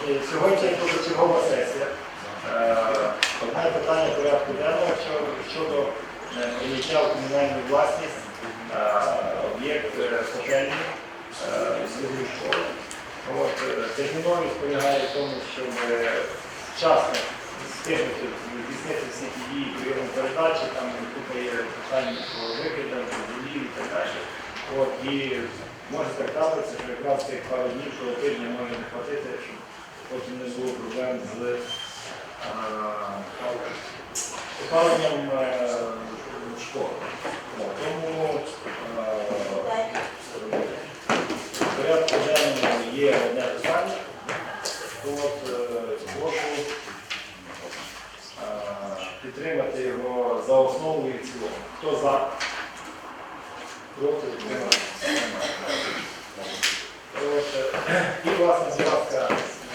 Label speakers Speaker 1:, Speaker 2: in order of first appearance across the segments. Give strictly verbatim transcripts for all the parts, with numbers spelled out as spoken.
Speaker 1: Сьогодні позачергова сесія. Одне питання порядку денного щодо прийняття в комунальну власність об'єкт котельні сільської школи. Терміновість полягає в тому, щоб вчасно встигнути здійснити всі ті дії прийому передачі, там купа є питання про викидання, водії і так далі. От, і може так трапитися, що якраз цих пару днів, що тижня може не хватити, щоб потім не було проблем з опаленням школи. Тому в порядку денному є одне питання. От, прошу підтримати його за основу і в цілому. Хто за? Проти? Підтримати. І, власне, будь ласка,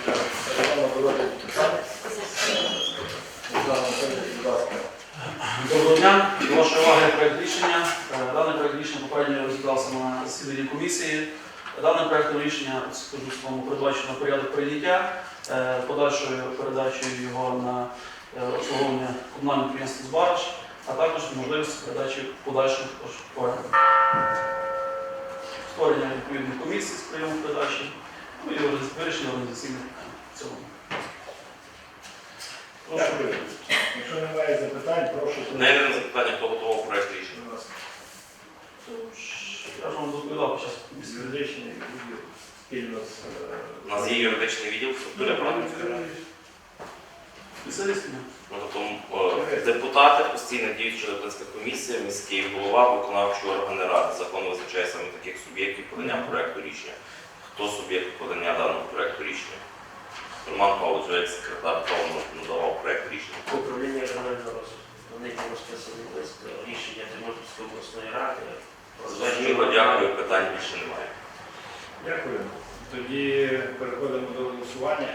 Speaker 2: Доброго дня. До вашої уваги проєкт рішення. Даний проєкт рішення попередньо розглядався на засіданні комісії. Даним проєктом рішення, скажу своєму, передбачено порядок прийняття, подальшою передачею його на обслуговування комунального підприємства «Збараж», а також можливість передачі подальших оренди. Створення відповідних комісій з прийому передачі, ну і вирішення організаційних питань в цілому.
Speaker 1: Дякую. Якщо немає запитань, прошу...
Speaker 3: Найвірне запитання, хто готував проєкт рішення?
Speaker 2: Я ж вам доповідав під час
Speaker 1: Юридичний відділ спільно з...
Speaker 3: У нас є юридичний відділ, структура правильно?
Speaker 2: Спеціалістами.
Speaker 3: Ну, тобто е, депутати, постійно діюча депутатська комісія, міський голова, виконавчий органи ради. Закон визначає саме таких суб'єктів подання проєкту рішення. Хто суб'єкт подання даного проєкту рішення? Роман Павлович, як секретар, хто надавав проєкт рішення?
Speaker 4: Управління регіонального розвитку. Вони там розписаний лист рішення Тернопільської обласної ради.
Speaker 3: Зрозуміло, дякую, питань більше немає.
Speaker 1: Дякую. Тоді переходимо до голосування.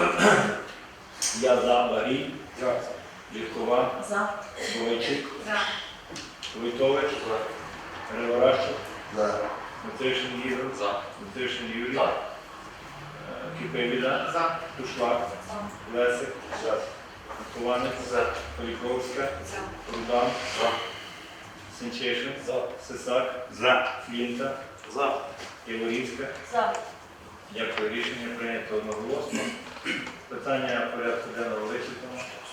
Speaker 1: Я за Багрій. За. Літкова.
Speaker 5: За.
Speaker 1: Бойчик.
Speaker 5: За.
Speaker 1: Войтович. За. Переворащик.
Speaker 4: За.
Speaker 1: Матишин Ігор.
Speaker 3: За.
Speaker 1: Матишин Юрій.
Speaker 3: За.
Speaker 1: Кипевіда. За. Тушлак.
Speaker 5: За.
Speaker 1: Лесик. За. Хованець.
Speaker 4: За.
Speaker 1: Поліковська.
Speaker 5: За.
Speaker 1: Рудан.
Speaker 3: За.
Speaker 1: Сенчишин. За. Сисак.
Speaker 3: За.
Speaker 1: Флінта.
Speaker 3: За.
Speaker 1: Яворівська.
Speaker 5: За.
Speaker 1: Дякую. Рішення прийнято одноголосно. Питання порядку денного вичерпано.